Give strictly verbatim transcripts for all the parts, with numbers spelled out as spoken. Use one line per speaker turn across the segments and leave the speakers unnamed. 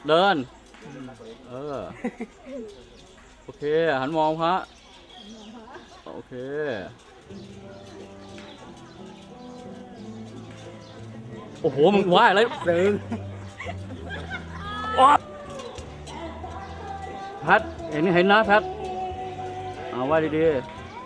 เดินเออโอเคหันมองพระโอเคโอ้โหมึงว่าอะไรซึ้งแพทเห็นเห็นนะแพทเอาไว้ดีๆ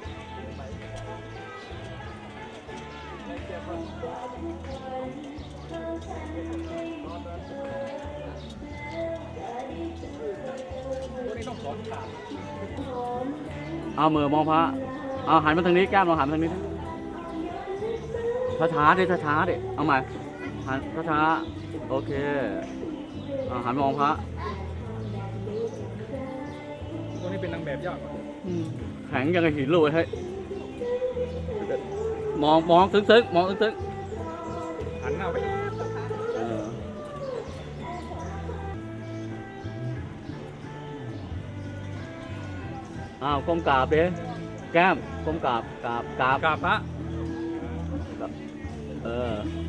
เอามือมองพระเอาหันมาทางนี้แก้มเราหันมาทางนี้ช้าช้าดิช้าช้าดิเอาใหม่หันช้าช้าโอเคเอาหันมองพระ
ตัวนี้เป็นนางแบบยาก
แข็งยังไงหินเลยให้มองมองซึ้งซึ้งมองซึ้งซึ้ง
หันหน้าไป
อ้าวก้มกราบดิแก้มก้มกราบกราบกราบ
กราบพระ
เออ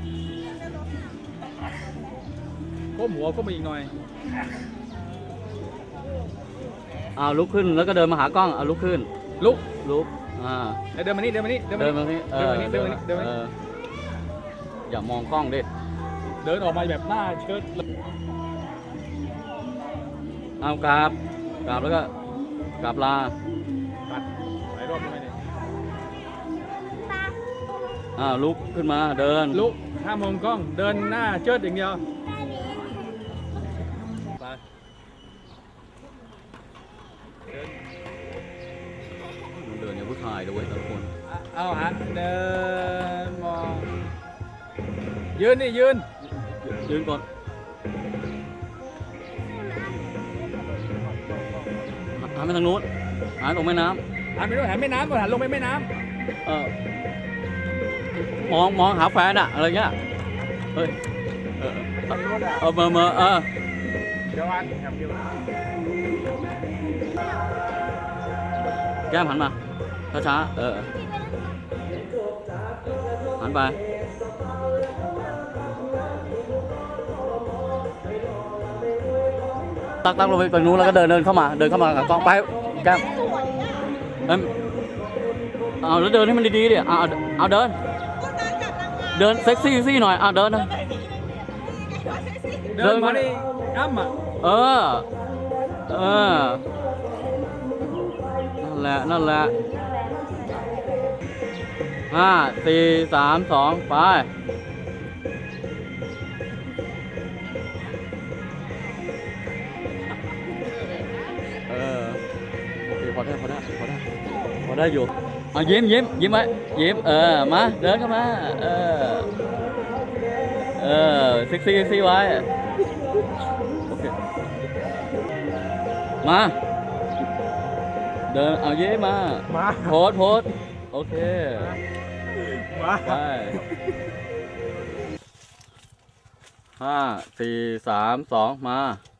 ก้มหัวก้มไปอีกหน่อย
อ้าวลุกขึ้นแล้วก็เดินมาหากล้องเอาลุกขึ้น
ลุก
ลุกอ่า
เดินมานี่เดินมานี่
เดินมานี่เดินมานี่เดินมานี่เดินมานี่อย่ามองกล้องดิ
เดินออกมาแบบหน้าเชิด
เอากราบกราบแล้วก็กราบลา
ปัดหลายรอบทำไมเนี่ย
อ้าวลุกขึ้นมาเดิน
ลุกห้ามมองกล้องเดินหน้าเชิดอย่างเดียวไป
เดินอย่างผู้ชายด้วยทุกคน
เอาฮะเดินมองยืนนี่ยืน
ยืนก่อนหันไปทางนู้นหันลงแม่น้
ำหันไปด้วยหันแม่น้ำก่อนหันลงไปแม่น้
ำเออมองมองหาแฟนอะอะไรเงี้ยเฮ้ยเออเออเมื่อเมื่อเออ
เดี๋ยววัน
แก้มหันมาช้าๆเออหันไปตักตักลงไปตรงนู้นแล้วก็เดินเดินเข้ามาเดินเข้ามากับกล้องไปแก้มเอ้ยเอาแล้วเดินให้มันดีๆดิเอาเอาเดินเดินเซ็กซี่ซี่หน่อยเอาเดินนะ
เดินมาดิอ้ำอ่ะ
เออเออนั่นแหละนั่นแหละห้าสี่สามสองไปเออโอเคพอได้พอได้พอได้พอได้อยู่เอายิ้มยิ้มยิ้มไว้ยิ้มเออมาเดินเข้ามาเออเออเซ็กซี่เซ็กซี่ไว้โอเคมาเดินเอายิ้มมาโพสโพสโอเค
มา
ไปห้าสี่สามสองมา